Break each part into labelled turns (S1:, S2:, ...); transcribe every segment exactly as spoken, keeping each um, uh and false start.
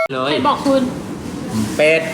S1: เลย
S2: ใครบอกคุณ
S3: เป็ด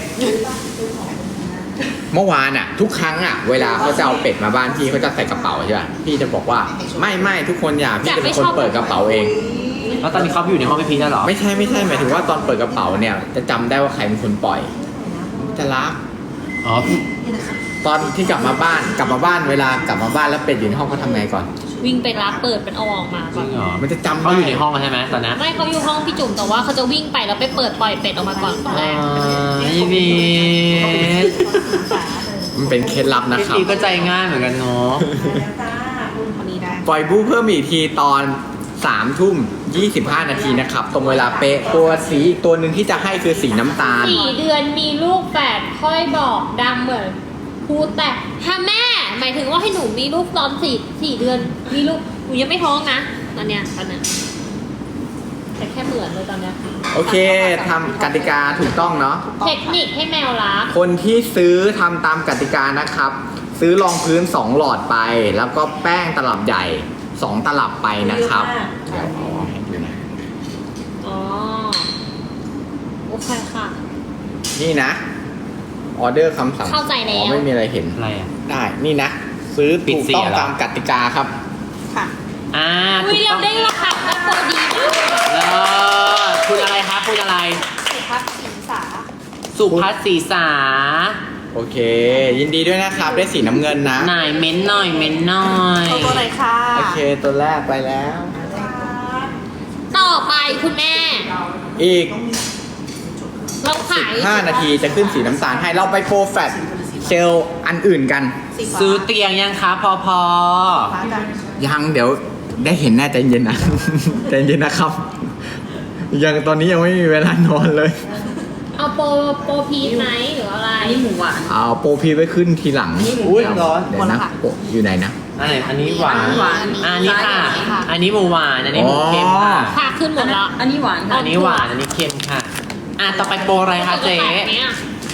S3: เมื่อวานอ่ะ ทุกครั้งอ่ะเวลาเขาจะเอาเป็ดมาบ้านพี่เขาจะใส่กระเป๋าใช่ป่ะพี่จะบอกว่าไม่ไม่ทุกคนอย่าพี่จะเป็นคนเปิดกระเป๋าเอง
S1: แล้วตอนนี้เขาอยู่ในห้องพี่พีชแล้วเหรอ
S3: ไม่ใช่ไม่ใช่หมายถึงว่าตอนเปิดกระเป๋าเนี่ยจะจำได้ว่าใครเป็นคนปล่อย จะรัก
S1: อ๋อ
S3: ตอนที่กลับมาบ้านกลับมาบ้านเวลากลับมาบ้านแล้วเป็ดอยู่ในห้องเขาทำไงก่อน
S2: วิ่งไปรับเปิดเป็นเอาออกมา
S1: จ
S2: ก่อ
S1: ริ
S2: น
S1: งเหรอ
S3: มันจะจำ
S1: เขาอยู่ในห้องใช่ไหมตอนนั้น
S2: ไม่เขาอยู่ห้องพี่จุ๋มแต่ว่าเขาจะวิ่งไปแล้วไปเปิดปล่อยเป็ดออกมาก่อนคนแรก
S1: พี่พีช
S3: มันเป็นเคล็ดลับนะ
S1: พี่
S3: ครับ
S1: พีชก็ใจง่ายเหมือนกันเนาะ
S3: ปล่อยบูเพิ่มอีกทีตอนสามทุ่มยี่สิบห้านาทีนะครับตรงเวลาเป๊ะตัวสีอีกตัวหนึ่งที่จะให้คือสีน้ำตาล
S2: สี่เดือนมีลูกแฝดค่อยบอกดังเหมือนพูดแต่ถ้าแม่หมายถึงว่าให้หนูมีลูกตอนสี่สี่เดือนมีลูกหนูยังไม่ท้องนะตอนเนี้ยตอนเนี้ยแต่แค่เหมือนเลยตอนเนี้ย
S3: โอเคทำกติกาถูกต้องเนาะ
S2: เทคนิคให้แมวรัก
S3: คนที่ซื้อทำตามกติกานะครับ ซื้อรองพื้นสองหลอดไป แล้วก็แป้งตลับใหญ่สองตลับไปนะครับเดี๋ยวเอาให้ดูนะ
S2: อ๋อโอเคค่ะ
S3: นี่นะออเดอร์คำสั่ง
S2: เข้าใจแล้ว
S3: อ๋อไม่มีอะไรเห็น
S1: อะไรอ่ะ
S3: ได้นี่นะ ซื้อ
S1: ปิด
S3: ถูก
S1: เสีย
S3: ต้อง
S1: เหรอ
S3: ตามกติกาครับ
S2: ค่ะ
S1: อ่า
S2: อุ้ย
S1: ถูก
S2: เรา
S1: ต้อง
S2: ได้ราคาก็ตัวดีมาก
S1: เออคุณอะไรคะคุณอะไร
S2: สุภัสสินสา
S1: สุพัฒศีสา
S3: โอเค ยินดีด้วยนะครับ ได้สีน้ำเงินนะ
S1: หน่อยเม้นหน่อยเม้นหน่อย
S2: ตัวไหนค่ะ
S3: โอเคตัวแรกไปแล้ว
S2: ต่อไปคุณแม่
S3: อีก
S2: เราขาย
S3: ห้านาทีจะขึ้นสีน้ำตาลให้เราไปโปรแฟตเซลล์อันอื่นกัน
S1: ซื้อเตียงยังคะพอพอ
S3: ยังเดี๋ยวได้เห็นแน่ใจเย็นนะ ใจเย็นนะครับ ยังตอนนี้ยังไม่มีเวลานอนเลย
S2: เอาโปรโปรพีชไหมหรืออะไร
S4: อันนี้หมูหวาน
S3: เอาโปรพีไว้ขึ้นทีหลัง
S1: อุ้ยร้อน
S3: เดี๋ยวนะโปรอยู่ไหนนะ
S1: อันไหนอันนี้หวาน
S4: หวาน
S1: อันนี้ค่ะ อันนี้หมูหวาน อันนี้หมูเค็มค่ะ
S2: ค่ะขึ้นหมดแล้ว
S4: อันนี้หวานค่ะ
S1: อันนี้หวาน อันนี้เค็มค่ะ อ่ะต่อไปโปรอะไรคะเจ๊
S2: เนี่ย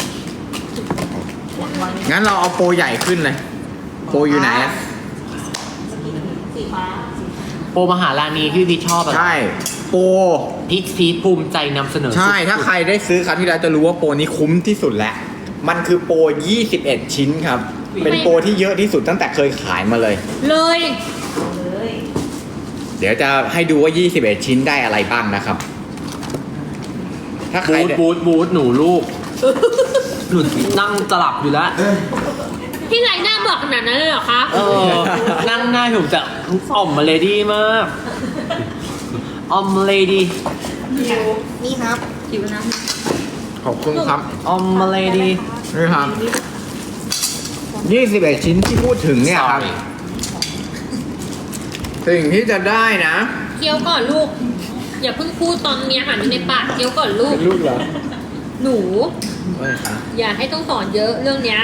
S3: งั้นเราเอาโปรใหญ่ขึ้นเลย โปรอยู่ไหนอะ
S2: สีฟ้า
S1: โปรมหาราณีที่พี่ชอบอะ
S3: ใช่ โปร
S1: พีชพีชภูมิใจนำเสนอ
S3: ใช่
S1: สุดๆ
S3: ถ้าใครได้ซื้อครั้งที่แล้วจะรู้ว่าโปรนี้คุ้มที่สุดแล้ว มันคือโปรยี่สิบเอ็ดชิ้นครับ เป็นโปรที่เยอะที่สุดตั้งแต่เคยขายมาเลย
S2: เลย
S3: เดี๋ยวจะให้ดูว่า ยี่สิบเอ็ด ชิ้นได้อะไรบ้างนะครับ ถ้าใคร
S1: บูทบูทบูทหนูลูก หนูนั่งตลับอยู่แล้ว
S2: พี่ไรหน้าบอกขนาดนั้นเลยเหรอคะ
S1: เออ นั่งหน้าผมจะอ่อมมาเลดี้มากอ่อมเลดี้
S4: นี่ครับจิ๋วนะ
S3: ขอบคุณครับ
S1: อ่อมมาเลดี้
S3: นี่ครับ ยี่สิบเอ็ด ชิ้นที่พูดถึงเนี่ยครับ สิ่งที่จะได้นะ
S2: เคี้ยวก่อนลูก อย่าเพิ่งพูดตอนมีอาหารอยู่ในปากเคี้ยวก่อนลูก
S3: ลูกเหรอ
S2: หนู
S3: ไม่ครับ
S2: อย่าให้ต้องสอนเยอะเรื่องเนี้ย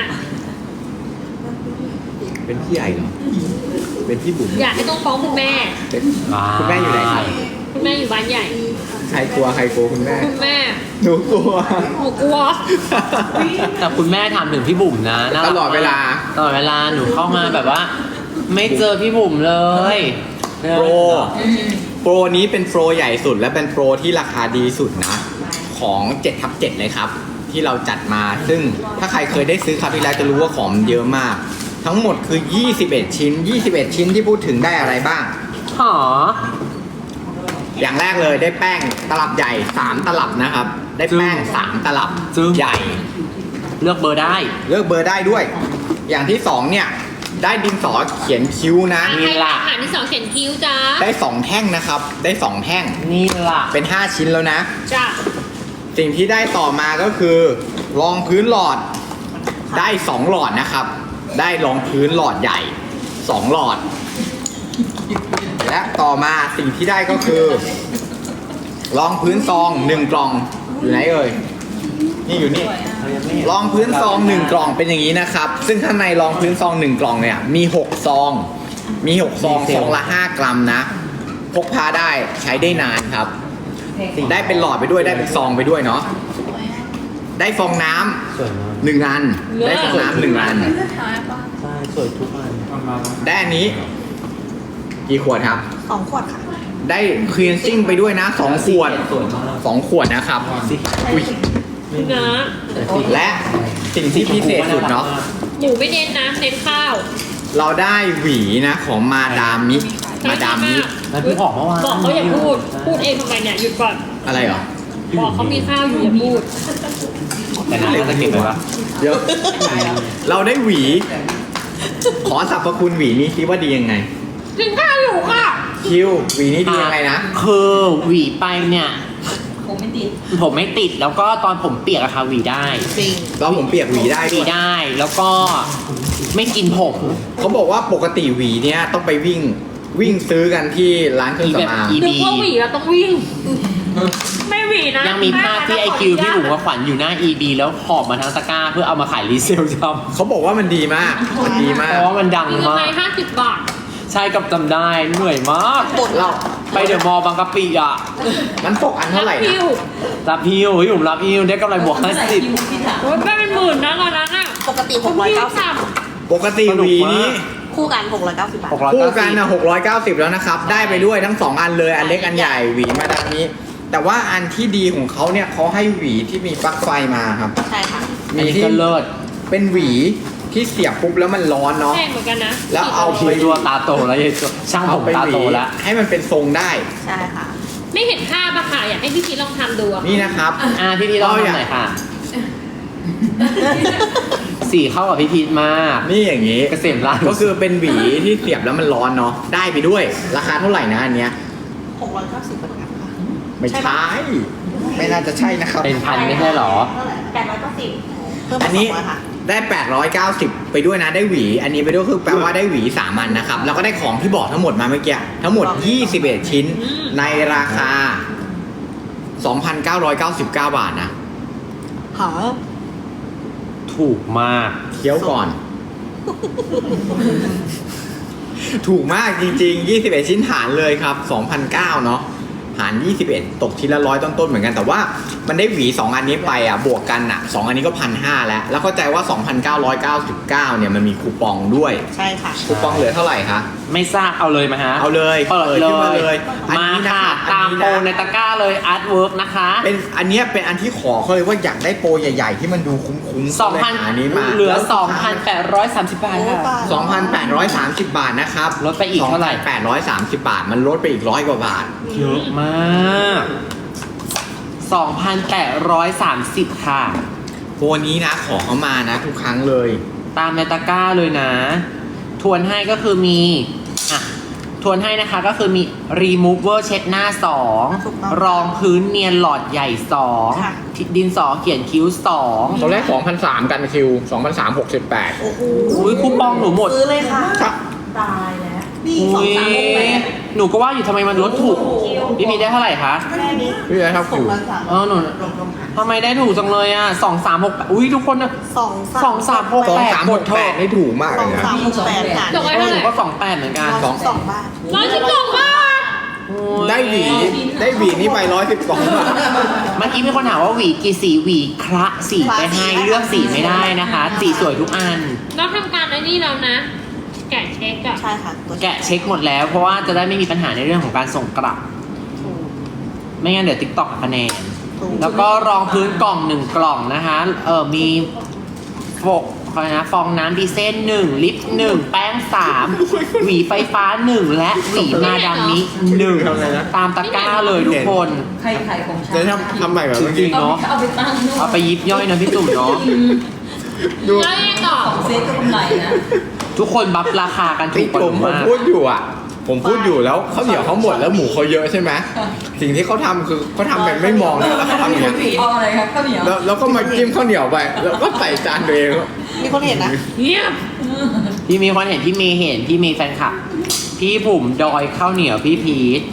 S3: เป็นพี่ใหญ่เหรอ เป็นพี่บุ๋ม
S2: อย่าให้ต้องฟ้องคุณแม่
S3: เป็นคุณแม่อยู่ไหนครับ
S2: คุณแม่อยู่บ้านใหญ่
S3: ใครกลัวใครกลัวคุณแม่
S2: คุณแม่
S3: หนูกลัว
S2: หนูกลัว
S1: แต่คุณแม่ถามถึงพี่บุ๋มนะน่ารัก
S3: ตลอดเวลา
S1: ตลอดเวลาหนูเข้ามาแบบว่า ไม่เจอพี่บุ๋มเลย
S3: โปร โปรนี้เป็นโปรใหญ่สุดและเป็นโปรที่ราคาดีสุดนะ ของเจ็ดทับเจ็ดเลยครับ ที่เราจัดมา ซึ่งถ้าใครเคยได้ซื้อครั้งที่แล้วจะรู้ว่าของมันเยอะมาก ทั้งหมดคือ ยี่สิบเอ็ด ชิ้น ยี่สิบเอ็ด ชิ้นที่พูดถึงได้อะไรบ้าง
S1: หอ
S3: อย่างแรกเลยได้แป้งตลับใหญ่สามตลับนะครับ ได้แป้งสามตลับใหญ่
S1: เลือกเบอร์ได้
S3: เลือกเบอร์ได้ด้วย อย่างที่สองเนี่ย ได้ดินสอเขียนคิ้วนะ
S2: ใครทำอาหารที่สองเขียนคิ้วจ้า
S3: ได้สองแท่งนะครับ ได้สองแท่ง
S1: นี่ล่ะ
S3: เป็นห้าชิ้นแล้วนะ
S2: จ้า
S3: สิ่งที่ได้ต่อมาก็คือรองพื้นหลอดได้สองหลอดนะครับ ได้รองพื้นหลอดใหญ่สองหลอด และต่อมาสิ่งที่ได้ก็คือรองพื้นซองหนึ่งกล่องอยู่ไหนเอ่ยนี่อยู่นี่รองพื้นซองหนึ่งกล่องเป็นอย่างนี้นะครับ ซึ่งข้างในรองพื้นซองหนึ่งกล่องเนี่ยมีหกซองมีหกซองซองละห้ากรัมนะพกพาได้ใช้ได้นานครับ ได้เป็นหลอดไปด้วยได้เป็นซองไปด้วยเนาะได้ฟองน้ำ
S1: สวยมาก
S3: หนึ่งอันได้ฟองน้ำหนึ่งอัน
S1: ใช่สวยทุกอัน
S3: ได้อันนี้กี่ขวดครับ
S4: สองขวดค่ะ
S3: สได้คลีนซิ่งไปด้วยนะสองขวด
S1: สวยมาก
S3: สองขวดนะครับอุ้ย
S2: นะ
S3: และสิ่งที่พิเศษสุดเนาะ
S2: หมูไม่เน้นนะเน้นข้าว
S3: เราได้หวีนะของมาดามมิมาดามมิ
S1: แล้วพี่ออกเมื่อวาน
S2: บอกเขาอย่าพูด พูดเองทำไมเนี่ยหยุดก่อน
S3: อะไรเหรอ
S2: บอกเขามีข้าวอยู่อย่าพูด
S1: แต่น้ำจะเก็บไว้ปะ
S3: เดี๋ยวเราได้หวี ขอสรรพคุณหวีนี้คิดว่าดียังไง
S2: กินข้าวอยู่ค่ะ
S3: คิวหวีนี้ดียังไงนะ
S1: คือหวีไปเนี่ย
S4: ผมไม่ติด
S1: ผมไม่ติดแล้วก็ตอนผมเปียกอะค่ะหวีได้
S4: จริง
S3: เราผมเปียกหวีได้
S1: ห
S3: ด้
S1: วี
S3: วย
S1: ได้แล้วก็ไม่กินผม
S3: เขาบอกว่าปกติหวีเนี้ยต้องไปวิ่งวิ่งซื้อกันที่ร้านเครื่องสำอาง
S1: อี
S2: นึกว่าหวีแล้วต้องวิ่ง ไม่หวีนะ
S1: ยังมีภาพที่ไอคิวพี่บุ๋มกับขวัญอยู่หน้า อี บี แล้วหอบมาทั้งตะกร้าเพื่อเอามาขายรีเซลจ
S3: เขาบอกว่ามันดีมาก มันดี
S1: ำ
S3: มา
S1: เพ
S3: ก
S1: ราะว่ามันดัง
S2: มี
S1: มาก
S2: กำไรห้าสิบบาท
S1: ใช่กับจำได้เหนื่อยมาก
S3: เรา
S1: ไปเดอะมอลล์บางกะปิอ่ะ
S3: มันตกอันเท่าไหร่นะ
S2: พิว
S1: รับฮิวพี่บุ๋มรับฮิวได้กำไรบวกห้าสิบ
S2: โอ้ยไม่เป็นหมื่นนะตอนนั้นอ่ะ
S4: ปกติหกร้อยเก้าสิบ
S3: ปกติหวีนี้
S4: คู่กันหกร้อยเก้าสิบบาท
S1: หกร้อย
S3: คู่
S1: เก้า
S3: กัน
S1: สิบ
S3: นะหกร้อยเก้าสิบแล้วนะครับ ได้ไปด้วยทั้งสองอันเลยอันเล็กอันใหญ่หวีมาดังนี้ แต่ว่าอันที่ดีของเขาเนี่ยเขาให้หวีที่มีปลั๊กไฟมาครับ
S4: ใช่ค่ะ
S1: อัน
S3: มี
S1: นี้
S3: ที่
S1: ก็เลิศ
S3: เป็นหวีที่เสียบปุ๊บแล้วมันร้อนเนาะ
S2: แพงเหมือนกันนะ
S3: แล้วเอา
S1: คิวตัวตาโตแล้วยายตัวช่างผ
S3: เอา
S1: ม
S3: ไป
S1: ตา
S3: หวี
S1: โตแล้ว
S3: ให้มันเป็นทรงได้
S4: ใช่ค่ะ
S2: ไม่เห็นภาพอะค่ะอยากให้พี่พีชลองทำดูอะ
S3: นี่นะครับ
S1: อ่าพี่พีทลอง
S3: เราอยาก
S1: ทำหน่อยค่ะ สีเข้ากับพี่พีทมาก
S3: นี่อย่างนี้
S1: เกษมราช
S3: ก็คือเป็นหวีที่เสียบแล้วมันร้อนเนาะได้ไปด้วย ราคาเท่าไหร่นะอันเนี้ย
S4: หกร้อยเก้าสิบเหมือนกันค่ะ
S3: ไม่ใช่ไม่น่าจะใช่นะครับ
S1: เป็นพันไม่ใช่หรอ
S4: เท่าไหร่แปดร้อยเก้าสิบเพิ่ม
S3: อั
S4: มาน สอ
S3: นี้
S4: งร้อยค่ะ
S3: ได้ แปดร้อยเก้าสิบ ไปด้วยนะได้หวี อันนี้ไปด้วยคือแปลว่าได้หวีสามอันนะครับ แล้วก็ได้ของที่บอกทั้งหมดมาเมื่อกี้ทั้งหมด ยี่สิบเอ็ด ชิ้น ในราคา สองพันเก้าร้อยเก้าสิบเก้า บาทนะ
S4: หา
S1: ถูกมาก
S3: เคี้ยวก่อน ถูกมากจริงๆ ยี่สิบเอ็ด ชิ้นหารเลยครับ สองพันเก้า เนาะหาร ยี่สิบเอ็ด ตกชิ้นละร้อยต้นๆเหมือนกัน แต่ว่ามันได้หวีสองอันนี้ไปอ่ะ บวกกันอ่ะสองอันนี้ก็พันห้าแล้ว แล้วเข้าใจว่า สองพันเก้าร้อยเก้าสิบเก้า เนี่ยมันมีคูปองด้วย
S4: ใช่ค่ะ
S3: คูปองเหลือเท่าไหร่คะ
S1: ไม่ทราบเอาเลยมาฮะ
S3: เอาเลย
S1: เปิด
S3: เปิด
S1: เล
S3: ขึ้นมาเลย
S1: ย
S3: อัน
S1: มา
S3: นี้นะ
S1: ค่ะ
S3: ครับ
S1: ตาม
S3: อันนี้นะ
S1: โปรในตะกร้าเลยอาร์ตเวิร์กนะคะ
S3: เป็นอันเนี้ยเป็นอันที่ขอเขาเลยว่าอยากได้โปรใหญ่ๆ ที่มันดูคุ้มๆ
S1: สองพัน
S3: ก็เลยหาอันนี้มา
S1: เหลือ สองพันแปดร้อยสามสิบ บาทค่ะ
S3: สองพันแปดร้อยสามสิบบาทนะครับ
S1: ลดไปอีกเท่าไหร่
S3: แปดร้อยสามสิบบาท มันลดไปอีกร้อยกว่าบาท
S1: เยอะมาก สองพันแปดร้อยสามสิบ ค่ะ
S3: โปรนี้นะขอเขามานะทุกครั้งเลย
S1: ตามในตะกร้าเลยนะ ทวนให้ก็คือมี อ่ะ ทวนให้นะคะก็คือมี remover เช็ดหน้าสอง
S4: ถูกต้อง
S1: รองพื้นเนียนหลอดใหญ่สอง
S4: ค่ะ
S1: ดินสอเขียนคิ้วสอง
S3: ตอนแรกสองพันสามกันคิวสองพันสามหกสิบแปด
S4: โอ้โห
S1: อุ้ยคูปองหนูหมด
S4: ซื้อเลยค่ะ
S3: ครับ
S4: ตายแล้ว นี่สอ
S1: อุ้
S4: ง
S1: ย
S4: สามหกแปด
S1: หนูก็ว่าอยู่ทำไมมันลดถูก พี่มีได้เท่าไหร่คะ
S4: แค่นี้
S3: พี่เลยครับ
S4: สอ
S3: คิ
S4: ง
S3: ว
S4: พันสาม
S1: เออหนู
S4: ลงลงค่ะ
S1: ทำไมได้ถูกจังเลยอ่ะสองสามหกอุ้ยทุกคนนะ
S4: สอง
S1: สองสามหก
S3: สอง
S1: แปด
S3: สาม
S1: ห
S3: ห
S1: ม
S3: ก
S1: ดเถ
S3: แป
S1: อะ
S3: ดนี่ถูกมาก
S4: ส
S3: เล
S4: อง
S3: ยนะ
S4: สามหกแปดค่ะ
S2: จบไว้
S1: เออ
S2: เท่า
S1: ห
S2: ไห
S1: นู
S2: ร่
S1: ก็สองแปดเหมือนกัน
S4: สองสองบาท
S2: ร้อยสิบสองบาท
S1: โอ้ย
S3: ได้หวีได้หวีนี่ไปร้อยสิบสองบาท
S1: เมื่อกี้มีคนถามว่าหวีกี่สีหวีคละสีไปให้เลือกสีไม่ได้นะคะ สีสวยทุกอัน
S2: เราทำการไอ้นี่แล้วนะ แกะเช็คอะ
S4: ใช่ค่ะตัว
S1: แกะเช็คหมดแล้ว เพราะว่าจะได้ไม่มีปัญหาในเรื่องของการส่งกลับ
S4: ถูก
S1: ไม่งั้นเดี๋ยวติ๊กต็อกคะแนน
S4: ถูก
S1: แล้วก็รองพื้นกล่องหนึ่งกล่องนะคะ เออมีโฟกอะไรนะฟองน้ำดีเซนหนึ่งลิปหนึ่งแป้งสามหวีไฟฟ้าหนึ่งและหวีมาดามมิหนึ่งตามตะกร้าเลยทุกคน
S5: ใครขายของฉัน
S3: เดี๋ยวทำทำใหม่แบบ
S1: จ
S3: เมื่อ
S1: ริ
S3: กี้
S1: งๆเนาะ
S5: เอาไปตั้งนู่น
S1: เอาไปยิบย่อยนะพี่ตุ่มเนาะ
S3: ดู
S2: แล้วยังไงต่อ
S5: เซ็ตก็กำไรนะ
S1: ทุกคนบัฟราคากันถู
S3: พี่
S1: กกว่า
S3: ผ
S1: ห
S3: ม
S1: นู
S3: ผม
S1: มาก
S3: พูดอยู่อ่ะ ผมพูดอยู่แล้วข้าวเหนียวเขาหมดแล้วหมูเขาเยอะใช่ไหมสิ่งที่เขาทำคือเขาทำแบบไม่มองแล้วเขาทำอย่างเงี้ย
S5: เอาอะไรครับข้าวเหนียว
S3: แล้วแล้วก็มาจิ้มข้าวเหนียวไป แล้วก็ใส่จานตัวเอง
S4: มีคนเห็นนะ
S2: เงียบ
S1: พี่มีคนเห็นพี่เมย์เห็นพี่เมย์แฟนคลับ พี่ผมดอยข้าวเหนียวพี่พีท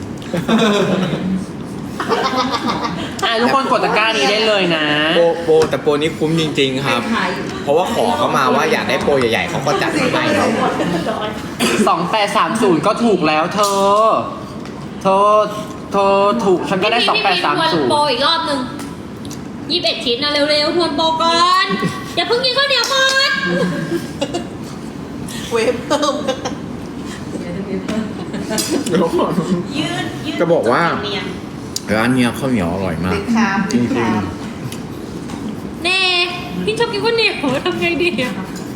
S1: อ่ะทุกคนกดตะกร้านี้ได้เลยนะ
S3: โปรโปรแต่โปรนี้คุ้มจริง ๆ ครับ เพราะว่าขอเขามาว่าอยากได้โปรใหญ่ๆเขาก็จัดให้เนาะ
S1: สองแปดสามศูนย์ก็ถูกแล้วเธอ เธอ เธอถูกฉันก็ได้สองแปดสาม
S2: พี่
S1: ศู
S2: ทวน
S1: นย์
S2: โปรอีกรอบหนึ่งยี่สิบเอ็ดชิ้นนะเร็วๆทวนโปรก่อนอย่าเพิ่งกินข้าวเหนียวก่อน
S4: เวฟเพิ่ม
S2: ท
S3: เดี๋ยวก่อน
S4: ยืดยืด
S3: จะบอกว่า
S4: เนียน
S3: ร้านเนี้ยข้าวเหนียวอร่อยมาก
S4: เป็นคราบ
S3: จริง
S4: คราบ
S2: เน่พี่ชอบกินข้าวเหนียวทำไงดีอะ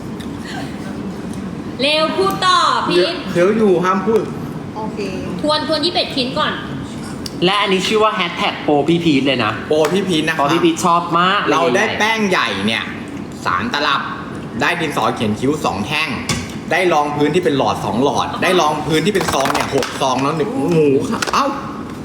S2: เร็วพูดต่อ
S3: ๆ
S2: พี่
S3: เคี้ยวอยู่ห้ามพูด
S4: โอเค
S2: ทวนทวนยี่สิบเอ็ดชิ้นก่อน
S1: และอันนี้ชื่อว่าแฮชแท็กโปรพี่พีทเลยนะ
S3: โปรพี่พีชนะ
S1: เพ
S3: ครั
S1: ราะพี่พีทชอบมากลย
S3: เราได้
S1: ใหญ่ๆ
S3: แป้งใหญ่เนี่ยสามตลับ ได้ดินสอเขียนคิ้วสองแท่ง ได้รองพื้นที่เป็นหลอดสองหลอด ได้รองพื้นที่เป็นซองเนี่ยหกซองแล้วหนึ่งหมูค่ะเอ้า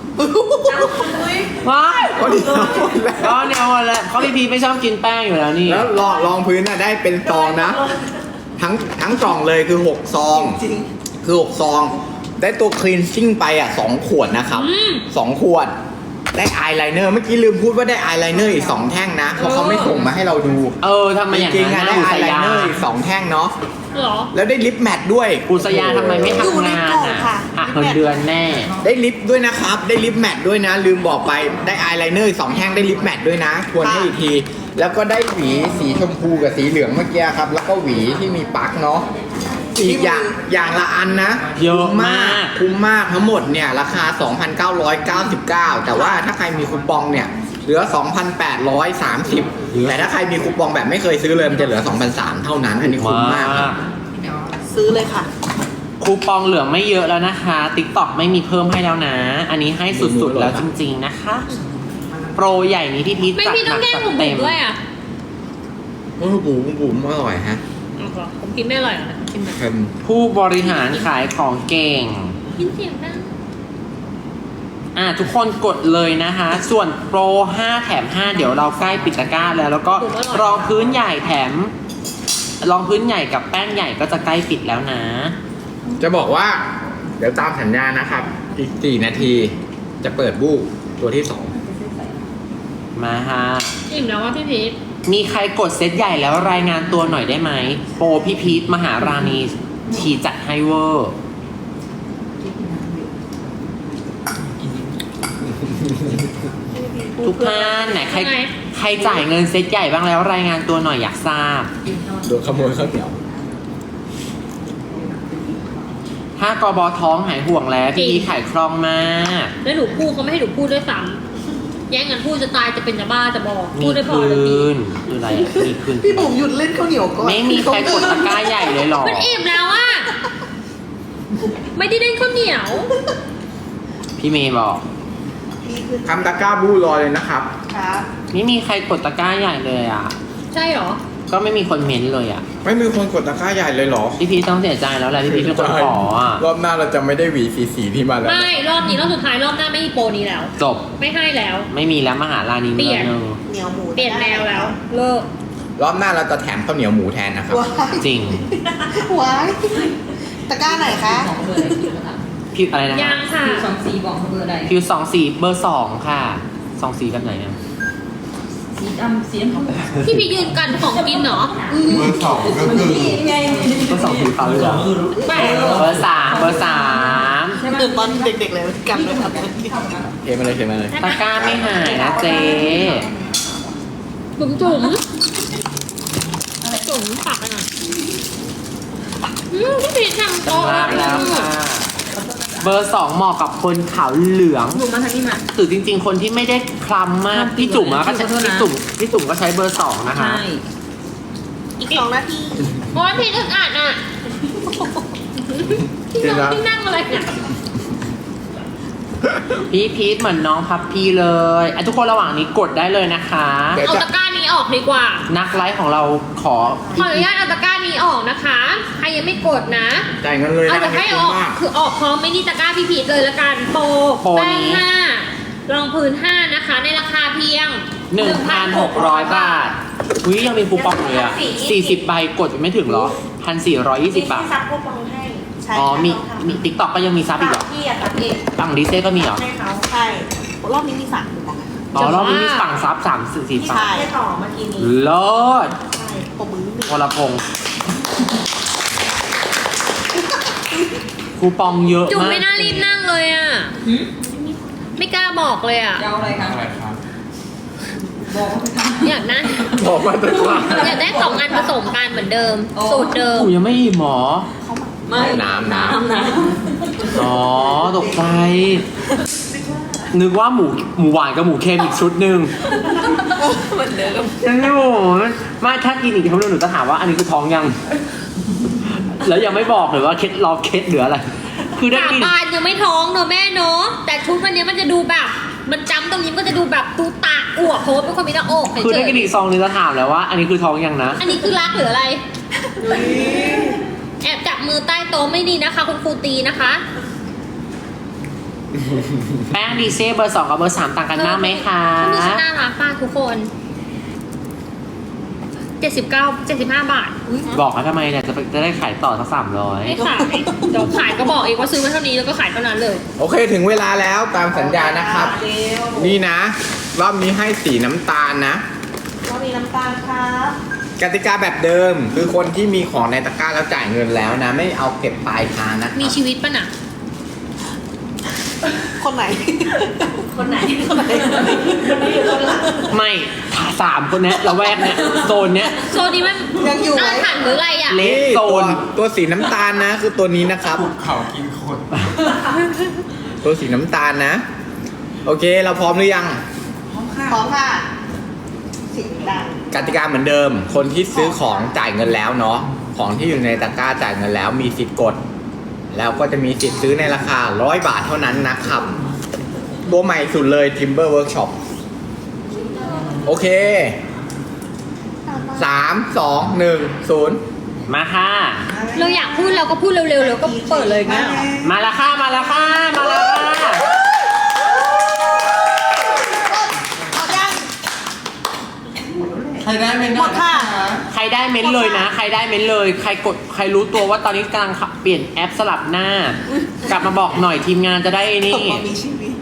S1: ว้าย
S3: ก็ดีแล้วหมดแล้ว
S1: ก็เนี่ยหมดแล้วเพราะพี่พีทไม่ชอบกินแป้งอยู่แล้วนี่
S3: แล้วรองรองพื้นน่ะได้เป็นซองนะ ทั้งทั้งกล่องเลยคือหกซอง
S4: จริง
S3: คือหกซอง ได้ตัวคลีนซิ่งไปอ่ะสองขวดนะครับ
S2: อืม
S3: สองขวด ได้อายไลเนอร์เมื่อกี้ลืมพูดว่าได้อายไลเนอร์อีกสองแท่งนะเพราะเขาไม่ส่งมาให้เราดู
S1: เออทำไม
S3: จ
S1: อย่าง
S3: ริงๆ
S1: นั้
S3: อ่ะ
S1: น
S3: ได้
S1: นะอุ
S3: อา
S1: ส
S3: ยไล
S1: ยา
S3: เนอร์อีกสองแท่งเนาะ
S2: เหรอ
S3: แล้วได้ลิปแมทด้วย
S1: อุสยาทำไมไม่
S4: อยู่
S1: ทำ
S4: ใน
S1: งาน
S4: กล่อง
S1: อ่ะ
S4: ค่ะ
S1: หักเงินเดือนแน่
S3: ได้ลิปด้วยนะครับ ได้ลิปแมทด้วยนะ ลืมบอกไปได้อายไลเนอร์อีกสองแท่งได้ลิปแมทด้วยนะทวนให้อีกที แล้วก็ได้หวีสีชมพูกับสีเหลืองเมื่อกี้ครับ แล้วก็หวีที่มีปลั๊กเนาะอีกอย่างอย่างละอันนะ
S1: เยอะ
S3: คุ้
S1: มาก
S3: คุ้มมากทั้งหมดเนี่ยราคา สองพันเก้าร้อยเก้าสิบเก้า แต่ว่าถ้าใครมีคูปองเนี่ยเหลือ สองพันแปดร้อยสามสิบ แต่ถ้าใครมีคูปองแบบไม่เคยซื้อเลยมันจะเหลือ สองพันสามร้อย เท่านั้นอันนี้คุ้มมากครับ
S4: ซื้อเลยค่ะ
S1: คูปองเหลือไม่เยอะแล้วนะคะ TikTok ไม่มีเพิ่มให้แล้วนะ อันนี้ให้สุดๆแล้วจริงๆนะคะ โปรใหญ่นี้พี่พีท
S2: ไม่
S1: จัด
S2: พี่
S1: ห
S2: ต้อ
S1: นั
S2: ง
S1: ก
S2: แกล้ง
S1: จัด
S2: ผมบุ๋
S1: เต็
S2: ม
S1: ม
S2: ด้วยอ่ะ
S3: เออบุ๋มบุ๋มอร่อยฮะ
S2: เอาก่อนผมกินไม่อร่อยเหรอกินแบบ
S3: เค็ม
S1: ผู้บริหารขายของเก่ง
S2: กินเสียงดัง
S1: อ่ะทุกคนกดเลยนะคะ ส่วนโปรห้าแถมห้าเดี๋ยวเราใกล้ปิดตะกร้าแล้ว แล้วก็รองพื้นใหญ่แถม รองพื้นใหญ่กับแป้งใหญ่ก็จะใกล้ปิดแล้วนะ
S3: จะบอกว่า เดี๋ยวตามสัญญานะครับ อีกสี่นาทีจะเปิดบู้ตัวที่สอง
S1: มาฮะ
S2: อิ่มแล้วว่าพี่พีท
S1: มีใครกดเซตใหญ่แล้วรายงานตัวหน่อยได้ไหม โปรพี่พีทมหาราณีชีจัดให้เวอร์ ทุกท่านไหนใครใครจ่ายเงินเซตใหญ่บ้างแล้วรายงานตัวหน่อยอยากทราบ
S3: โดนขโมยข้าวเหนียว
S1: ถ้ากบท้องหายห่วงแล้วพี่พีทขายคล่องมาก
S2: แล้วหนูพูดเขาไม่ให้หนูพูดด้วยซ้ำแย่งกันพูดจะตายจะเป็นจะบ้าจะบอกพู
S1: มี
S2: ดได้พอ
S1: คื
S2: เลยพี่
S1: นคืออะไรอะมีคืน
S4: พี่บุ๋มหยุดเล่นข้าวเหนียวก่อน
S1: ไม่มีใครกดตะกร้าใหญ่เลยหรอ
S2: มันอิ่มแล้วอ่ะไม่ได้เล่นข้าวเหนียว
S1: พี่เมย์บอก
S4: พี่ขึ้น
S3: ทำตะกร้าบู้รอเลยนะครับ
S4: ครับ
S1: ไม่มีใครกดตะกร้าใหญ่เลยอ่ะ
S2: ใช่เหรอ
S1: ก็ไม่มีคนเม้นต์เลยอ่ะ
S3: ไม่มีคนกดตะกร้าใหญ่เลยเหรอ
S1: พี่พีทต้องเสียใจแล้วแหละพี่พีทเป็นคนขออ่ะ
S3: รอบหน้าเราจะไม่ได้หวีสีสีที่มาแล้ว
S2: ไม่รอบนี้รอบสุดท้ายรอบหน้าไม่มีโปรนี้แล้ว
S1: จบ
S2: ไม่ให้แล้ว
S1: ไม่มีแล้วมหาราณี
S2: เปลี่
S1: เมือย
S2: น
S1: งหนึง
S4: เหนียวหมู
S2: เปลี่ยนแนวแล้ว เลิก
S3: รอบหน้าเราจะแถมข้าวเหนียวหมูแทนนะครับ
S4: ว้าย
S1: จริง
S4: ว้ายตะกร้าไหนคะ
S5: สองเบอร์อะไรคิวนะคะ
S1: พี่อะไรนะ
S2: ยังค่ะ
S5: คิวสองสี่บอกเขาเบอร์อะไร
S1: คิวสองสี่เบอร์สองค่ะสองสี่แบบไหนเนี่ย
S5: สีดำสีน้ำตาล
S2: ที่พี่ยืนกันของกินเหรอ
S3: เบอร์สองก็คือ
S5: นี่ไง
S1: เบอร์สองสีฟ้าเหลือง
S2: แปลก
S1: เบอร์สามเบอร์สาม
S5: ใช่ไหม
S4: เดินตอนเด็กๆเลยกันเลยครับ
S3: เทมาเลยเทมาเลย
S1: ตะกร้าไม่หายนะเจ๊
S2: จุ๋มจุ๋มจุ๋มปักอ่ะอืมพี่พีททำโต๊ะ
S1: จำลาแล้วค่ะ เบอร์สองเหมาะกับคนขาวเหลือง
S5: หนูมาทางนี้มา
S1: คือจริง ๆ คนที่ไม่ได้คล้ำมาก พี่จุ๋มอะก็ใช้
S5: ขอโทษนะ
S1: พี่จุ๋มพี่จุ๋มก็ใช้เบอร์สองนะคะ
S5: ใช่
S4: อีกสองนาที
S2: โอ้ยพีทอึดอัดอ่ะพี่นั่งพี่นั่งอะไรเนี่ย
S1: พี่พีทเหมือนน้องพับพี่เลยอ่ะทุกคนระหว่างนี้กดได้เลยนะคะ
S3: เดี๋ยว
S2: เอา
S3: จะ
S2: ตะกร้านี้ออกดีกว่า
S1: นักไลฟ์ของเราขอ
S2: ขออนุญาตเอาตะกร้านี้ออกนะคะ ใครยังไม่กดนะ
S3: จ่ายเงินเลย
S2: เอา
S3: นะ
S2: จะให้ออก
S3: มาก
S2: คือออกพร้อมไม่นี่ตะกร้าพี่พีทเลยละกันโปร
S1: โปร
S2: แป้ง
S1: นี้
S2: ห้ารองพื้นห้านะคะ ในราคาเพียง
S1: หนึ่งพันหกร้อยบาทอุ้ยยังมีคูปองเลยอ่ะสี่สิบใบกดยังไม่ถึงเหรอพันสี่ร้อยยี่สิบบาท
S4: ซับคูปองให้ใช่
S1: อ๋อ
S4: ค่ะ
S1: มี มีติ๊กต็อกก็ยังมีซับอีกเหรอ
S4: พี่อะซับเอง
S1: ฝั่งดิเซ่ก็มีเหรอ
S4: ให้เขาใช่รอบนี้มีสามคูปองนะ
S1: อ๋อรอบนี้มีฝั่งซับสามสี่สี่
S4: ที่
S1: ฝั่ง
S4: ชายได้ต่อเมื่อกี้นี้
S1: เลิศ
S4: ใช่ผมมือนิดนึง
S1: วรพงษ์คูปองเยอะ
S2: จุ๋ม
S1: มาก
S2: ไม่น่ารีบนั่งเลยอ่ะ
S5: หืม
S2: ไม่กล้าบอกเลยอ่ะ
S5: จะเอาอะไรคะ
S3: อะไรครับ
S5: บอกว่าไปทำ
S2: อยากได้
S3: บอกมาตะกร้า
S2: อยากได้สองอันผสมกันเหมือนเดิม สูตรเดิม
S1: กูยังไม่อิ่มหมอ
S4: เขามา
S5: ไม่
S3: น้ำน้ำ
S5: น้
S1: อ๋อตกใจ นึกว่าหมูหมูหวานกับหมูเค็มอีกชุดหนึ่ง
S5: ำเหมือนเดิม
S1: ยังไม่หมูไม่ถ้ากินอีกครั้งหนึงหนูจะถามว่าอันนี้คือท้องยัง แล้วยังไม่บอกเลยว่าเคล็ดรอเคล็ดหรืออะไร คือได้
S2: สา
S1: กิน
S2: บานยังไม่ท้องเนอะแม่เนอะแต่ชุดวันนี้มันจะดูแบบ มันจำตรงนี้มันก็จะดูแบบตูตาอวบเพราะว่าเป็นคนมีหน้าอกเฉยๆ
S1: คือได้กินอีกซองนึงจะถามแล้วว่า อันนี้คือท้องยังนะ
S2: อันนี้คือรักหรืออะไร แอบจับมือใต้โต๊ะไม่ดีนะคะ คุณครูตีนะคะ
S1: แป้งดีเซ่เบอร์สองกับเบอร์สามต่างกันมากไหมคะ
S2: ชุดนี้ฉันน่ารักมากทุกคนเจ็ดสิบเก้า เจ็ดสิบห้าบาท
S1: บอกเขาทำไมเนี่ยจะจะได้ขายต่อสักสามร้อย
S2: ไม่ขายเดี๋ยวขายก็บอกเองว่าซื้อมาเท่านี้แล้วก็ขายเท่านั้นเลย
S3: โอเคถึงเวลาแล้วตามสัญญานะครับ นี่นะรอบนี้ให้สีน้ำตาลนะ
S4: ก็มีน้ำตาลครับ
S3: กติกาแบบเดิมคือคนที่มีของในตะกร้าแล้วจ่ายเงินแล้วนะ ไม่เอาเก็บปลายทางนะค
S2: มี
S3: รับ
S2: ชีวิตป่ะน่ะ
S4: คนไหน
S5: คนไหน
S4: คนไหนอยู่คนหลัง
S1: ไม่สามคนเนี้ยละแวกเนี้ยโซนเนี้ย
S2: โซนนี้มัน
S4: ยังอยู่ไหม
S2: อาถรรพ์หรืออะไรอ่ะ
S1: เละ
S3: นี่
S1: โซ
S3: ตัวน ตัวสีน้ำตาลนะ คือตัวนี้นะครับ
S6: เขากินคน
S3: ตัวสีน้ำตาลนะ โอเคเราพร้อมหรือยัง
S4: พร้อมค่ะสีดัง
S3: กติกาเหมือนเดิม คนที่ซื้อของจ่ายเงินแล้วเนาะ ของที่อยู่ในตะกร้าจ่ายเงินแล้วมีสิทธิ์กด แล้วก็จะมีสิทธิ์ซื้อในราคาร้อยบาทเท่านั้นนะครับ ตัวใหม่สุดเลย Timber Workshop โอเค สาม สอง หนึ่ง ศูนย์
S1: มาค่ะ
S2: เราอยากพูดเราก็พูดเร็วๆแล้วก็เปิดเลยงั้นเหรอ
S1: มาแล้วค่ะมาแล้วค่ะมาแล้วค่ะ
S4: เอายัง
S6: ใครได้ไม่
S4: หม
S6: ได้
S4: ดค่ะ
S1: ใครได้เม้นเลยนะ ใครได้เม้นเลย ใครกดใครรู้ตัวว่าตอนนี้กำลังเปลี่ยนแอปสลับหน้า กลับมาบอกหน่อยทีมงานจะได้นี่
S4: มีชีวิต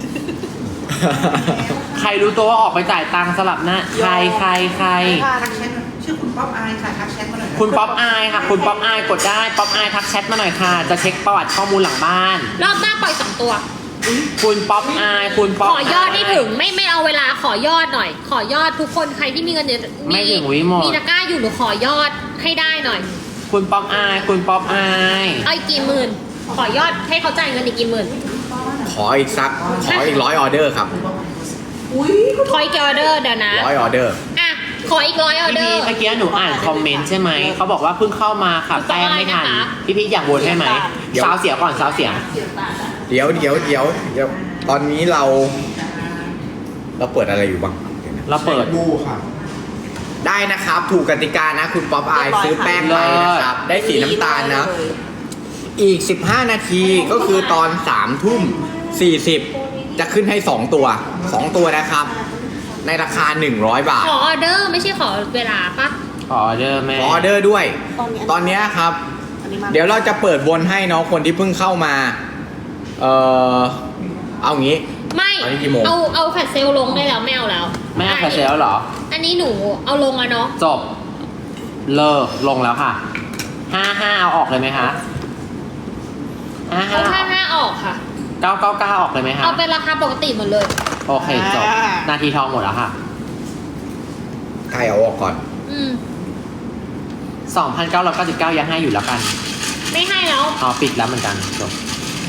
S1: ใครรู้ตัวว่าออกไปจ่ายตังค์สลับหน้า ใครใครใคร
S4: ทักแชทชื่อคุณป๊อปอายค่ะทักแชทมาหน่อย
S1: คุณป๊อปอายค่ะ คุณป๊อปอายกดได้ป๊อปอายทักแชทมาหน่อยค่ะ จะเช็คประวัติข้อมูลหลังบ้าน
S2: รอบหน้าปล่อยสองตัว
S1: คุณป๊อปอายคุณป๊อป
S2: ขอยอดให้ถึงไม่ไม่เอาเวลาขอยอดหน่อย ขอยอดทุกคนใครที่มีเงินเดือน
S1: ไม่ถึงวิหมด
S2: มีตะกร้าอยู่หนูขอยอดให้ได้หน่อย
S1: คุณป๊อปอายคุณป๊อปอาย
S2: เอาอีกกี่หมื่น ขอยอดให้เขาจ่ายเงินอีกกี่หมื่น
S3: ขออีกสัก ขออีกร้อยออเดอร์ครับ
S2: ขออีกกี่ออเดอร์เดี๋ยวนะ
S3: ร้อยออเดอร์
S2: อ่ะขออีกร้อยออ
S1: พี่
S2: เดอ
S1: พี
S2: ร์
S1: เมื่อกี้หนูอ่านคอมเมนต์ใช่ไหม เขาบอกว่าเพิ่งเข้ามาค่ะ
S2: ถูกต้
S1: แป้
S2: อง
S1: งไม่ทัน
S2: นะคะ
S1: พี่พีอยากโหวตให้ไหม
S3: เดี๋ยว
S1: สาวเสียก่อนสาวเสีย
S3: เดี๋ยวเดี๋ยวเดี๋ยวเดี๋ยวตอนนี้เรา เราเปิดอะไรอยู่บ้างเดี๋ยวนะ
S1: เราเปิด
S6: ดูค่ะ
S3: ได้นะครับ ถูกกติกานะ คุณป๊อปอายซื้อแป้งไปนะครับ ได้สีน้ำตาลนะ อีก สิบห้า นาทีก็คือตอนสามทุ่มสี่สิบจะขึ้นให้ สอง ตัว สอง ตัวนะครับ ในราคา หนึ่งร้อยบาท
S2: ขอออเดอร์ไม่ใช่ขอเวลาปะ
S1: ขอออเดอร์แม่
S3: ขอออเดอร์ด้วย
S4: ตอนนี้
S3: ตอนเนี้ยครับ
S4: อันนี้มา
S3: เดี๋ยวเราจะเปิดวนให้เนาะคนที่เพิ่งเข้ามา เออเอางี้
S2: ไม่
S3: อันนี้กี่โมง
S2: เอาเอาแฟลชเซลลงได้แล้วไม่เอาแล้ว
S1: แม่เอาแฟลชเซลแล้วเหรอ
S2: อันนี้หนูเอาลงแล้วเนาะ
S1: จบ เลิกลงแล้วค่ะ ห้าห้าเอาออกเลยไหมคะห้าห้า
S2: เอาห้าห้าออกค่ะ
S1: เก้าเก้าเก้าออกเลยไหมคะ
S2: เอาเป็นราคาปกติหมดเลย
S1: โอเคจบ นาทีทองหมดแล้วค่ะ
S3: ใครเอาออกก่อน
S2: อืม
S1: สองพันเก้าร้อยเก้าสิบเก้ายังให้อยู่แล้วกัน
S2: ไม่ให้แล้ว
S1: อ๋อปิดแล้วเหมือนกันจบ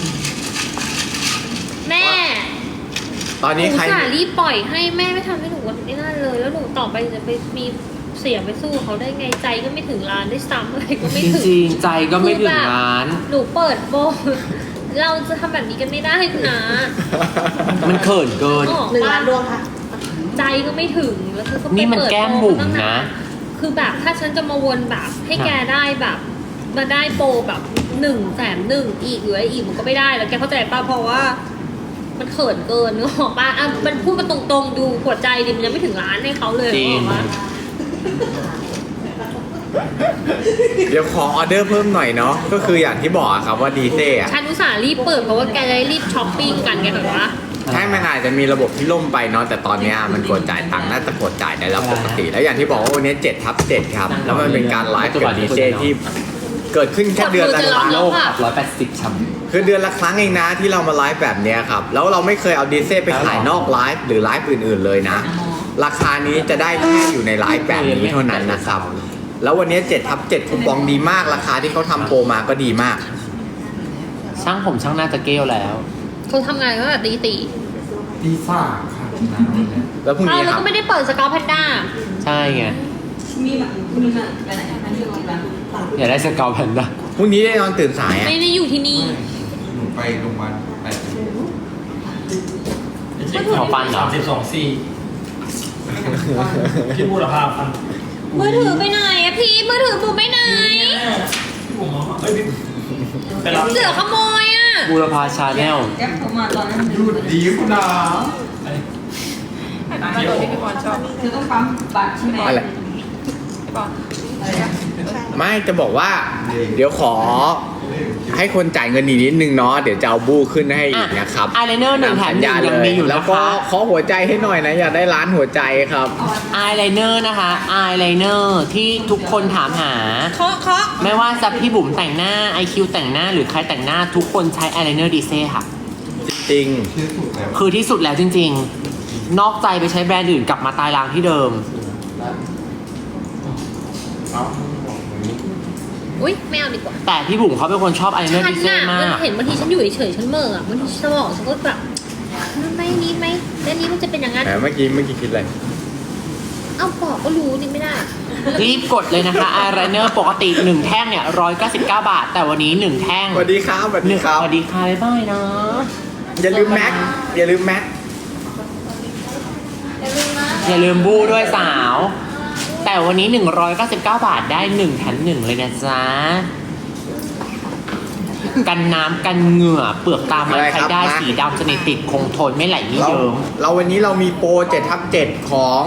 S2: แม่
S3: ตอน
S2: ห
S3: นี้
S2: นู
S3: ใคร
S2: สารีบปล่อยให้แม่ไม่ทำให้หนูวันนี้นั่นเลย แล้วหนูต่อไปจะไปมีเสียงไปสู้เขาได้ไงใจก็ไม่ถึงร้านได้วยซ้ำอะไรก็ไม่
S1: จ
S2: ถึง
S1: ริงๆ ใจก็ไม่ถึงร้าน
S2: หนูเปิดโบเราจะทำแบบนี้กันไม่ได้นะ
S1: มันเขินเกิน
S2: ออก
S4: หนึ่ง
S2: ปะ
S4: ล้านดวงค่ะ
S2: ใจก็ไม่ถึงแล้วเธอก็ไป
S1: นี่มัน
S2: เปิด
S1: แก้มบุ๋ม
S2: โปรตั้งา
S1: นะ
S2: คือแบบถ้าฉันจะมาวนแบบให้แกได้แบบ มาได้โปรแบบหนึ่งแสนหนึ่งอีกหรืออะไรอีกมันก็ไม่ได้แล้วแกเข้าใจป่ะเพราะว่า มันเขินเกินนึกออกป่ะอ่ะมันพูดมาตรงๆดูหัวใจดิมันยังไม่ถึงร้านให้เขาเลย
S1: จริง
S2: นึกออกปะ
S3: เดี๋ยวขอออเดอร์เพิ่มหน่อยเนาะ ก็คืออย่างที่บอกอะครับว่าดีเซ่อะ
S2: ฉันอุตส่าห์รีบเปิดเพราะว่าแกจะได้รีบช้อปปิ้งกันแกแบบว่า
S3: ใช่มันอาจจะมีระบบที่ล่มไปเนาะ แต่ตอนเนี้ยมันกดจ่ายตังค์น่าจะกดจ่ายได้แล้วปกติ แล้วอย่างที่บอกว่าวันนี้เจ็ดทับเจ็ดครับ แล้วมันเป็นการไลฟ์กับดีเซ่ที่เกิดขึ้นแค่เดือนละครั้ง
S1: โลกขับร้อยแปดสิบชำ
S3: คือเดือนละครั้งเองนะที่เรามาไลฟ์แบบเนี้ยครับ แล้วเราไม่เคยเอาดีเซ่ไปขายนอกไลฟ์หรือไลฟ์อื่นๆเลยนะ ราคานี้จะได้แค่อยู่ในไลฟ์แบบนี้เท่านั้นนะครับ แล้ววันนี้เจ็ดทับเจ็ดคูปองดีมาก ราคาที่เขาทำโปรมาก็ดีมาก
S1: ช่างผมช่างหน้าจะเกลแล้ว
S2: เขาทำงานตั้งแต่ตีตี
S6: ตีสามค่ะน้ำวันเนี้ย
S3: แล้วพรุ่ง
S2: เขา
S3: นี้
S2: แล้ว
S3: ครับ
S2: ก็ไม่ได้เปิดสกาวแพนด้า
S1: ใช่ไง
S5: มีแบบมีแบบไปไหนนั่นคือแบบ
S1: อยากได้สเกลแพนด้า
S3: พรุ่งนี้ได้นอนตื่นสายอ่ะ
S2: ไม่ได้อยู่ที่นี่
S6: หนูไปโรงพยาบาลแปดสิบ
S1: ของฟันเหรอ
S7: สามสิบสองสี่พี่บูรพาพัน
S2: มือถือไปไหนอะพี่มือถือบูไปไหน
S7: พี่บูมาเอ้ยพี่ไปรับ
S2: เสือขโมยอะ
S1: บูรพาชาแนล
S5: แก๊ปผมมาตอนนั้น
S6: หยุดดีคุณดา
S5: มาตอนที่พี่บอลชอบเธอต้องปั๊มบัตรใช่ไหม
S3: อะไร
S5: พี่บอลอะไรนะ
S3: ไม่จะบอกว่า เดี๋ยวขอให้คนจ่ายเงินอีกนิดนึงเนาะเดี๋ยวจะเอาบู้ขึ้นให้อีกนะครับ
S1: อายไลเนอร์หนึ่งแถมหนึ่งยังมีอยู่
S3: แล้ว
S1: นะ
S3: ก็
S1: คะ
S3: ขอหัวใจให้หน่อยนะอยากได้ร้านหัวใจครับ
S1: อายไลเนอร์นะคะอายไลเนอร์ที่ทุกคนถามหา
S2: เคาะเคาะ
S1: ไม่ว่าจะพี่บุ๋มแต่งหน้า ไอ คิว แต่งหน้าหรือใครแต่งหน้าทุกคนใช้อายไลเนอร์ดีเซ่ค่ะ
S3: จริง
S6: ที่สุดแล้ว
S1: คือที่สุดแล้วจริงๆ นอกใจไปใช้แบรนด์อื่นกลับมาตายรางที่เดิม
S6: เอ้า
S2: อุ้ยไม่เอาดีกว่า
S1: แต่พี่บุ๋มเขาเป็นคนชอบอายไลเนอร์
S2: ฉัน
S1: ดีเซ่
S2: น่ะ
S1: มา
S2: มัน
S1: ก
S2: เห็นบางทีฉันอยู่เฉยๆฉันเหม่ออะบางทีสมองฉันก็แบบนั่นไม่นี้ไหมแล้วนี้มันจะเป็นอย่างนั้น
S3: ๆแต่เมื่อกี้เมื่อกี้คิดอะไร
S2: เอ้าบอกก็รู้นี่ไม่ได้
S1: รีบกดเลยนะคะอายไลเนอร์ปกติหนึ่งแท่งเนี่ยร้อยเก้าสิบเก้าบาท แต่วันนี้หนึ่งแท่ง
S3: สวัสดีครับสวัส
S1: ห
S3: ดี
S1: นึ่ง
S3: ครับ
S1: สวัสดีค่ะบ๊ายบายนะ
S3: อย่าลืมแม็กอย่าลืมแม็ก
S1: อย่าลืมบู้ด้วยสาว แต่วันนี้หนึ่งร้อยเก้าสิบเก้าบาทได้หนึ่งแถมหนึ่งเลยนะจ๊ะ กันน้ำกันเหงื่อเปลือกตามันใช้ได้สีดำสนิทติดคงทนไม่ไหลไม่
S3: เรา
S1: เยิ้ม
S3: เราวันนี้เรามีโปรเจ็ดทับเจ็ดของ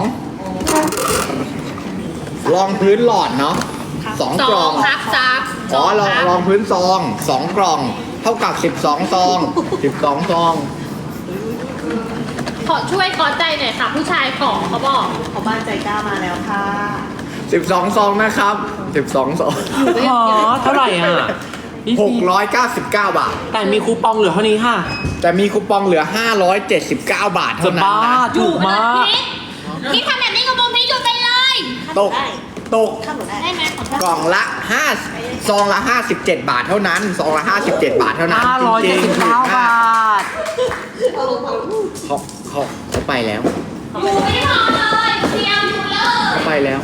S3: รองพื้นหลอดเนาะสอง
S2: ส
S3: กล่
S2: อ
S3: อง ง
S2: ครับซับ
S3: อ๋อรองรองพื้นซองสองกล่อง เท่ากับสิบสองซองสิบสองซอง
S2: ขอช่วยกอดใจหน่อยค่ะ ผู้ชายขอเขาบอก
S4: ขอบ้านใจกล้ามาแล้วค่ะ
S3: สิบสองซองนะครับสิบสองซอง
S1: อ๋อเท่าไหร่อ่ะ
S3: หกร้อยเก้าสิบเก้าบาท
S1: แต่มีคูปองเหลือเท่านี้ค่ะ
S3: แต่มีคูปองเหลือห้าร้อยเจ็ดสิบเก้าบาท
S1: จะ
S3: เท่านั้น
S1: บ้า
S3: นะ
S1: ถูกมาก
S2: พี่พี่ทำแบบนี้กับผมพี่หยุดไปเลย
S3: ตกตก
S4: ข้ามหนูได้
S2: ได้ไหมขอโทษ
S3: กล่องละห้าซองละห้าสิบเจ็ดบาทเท่านั้นซองละห้าสิบเจ็ดบาทเท่านั้น
S1: ห้าร้อย
S3: จ
S1: เจ็ด
S3: ริ
S1: สิ
S3: ง
S1: บ
S3: ๆ
S1: เก้าบาท
S3: เขาเขาเขาไปแล้ว
S2: หนูไม่ได้ทำเลยเตรียมอยู่เลย
S3: เขาไปแล้ว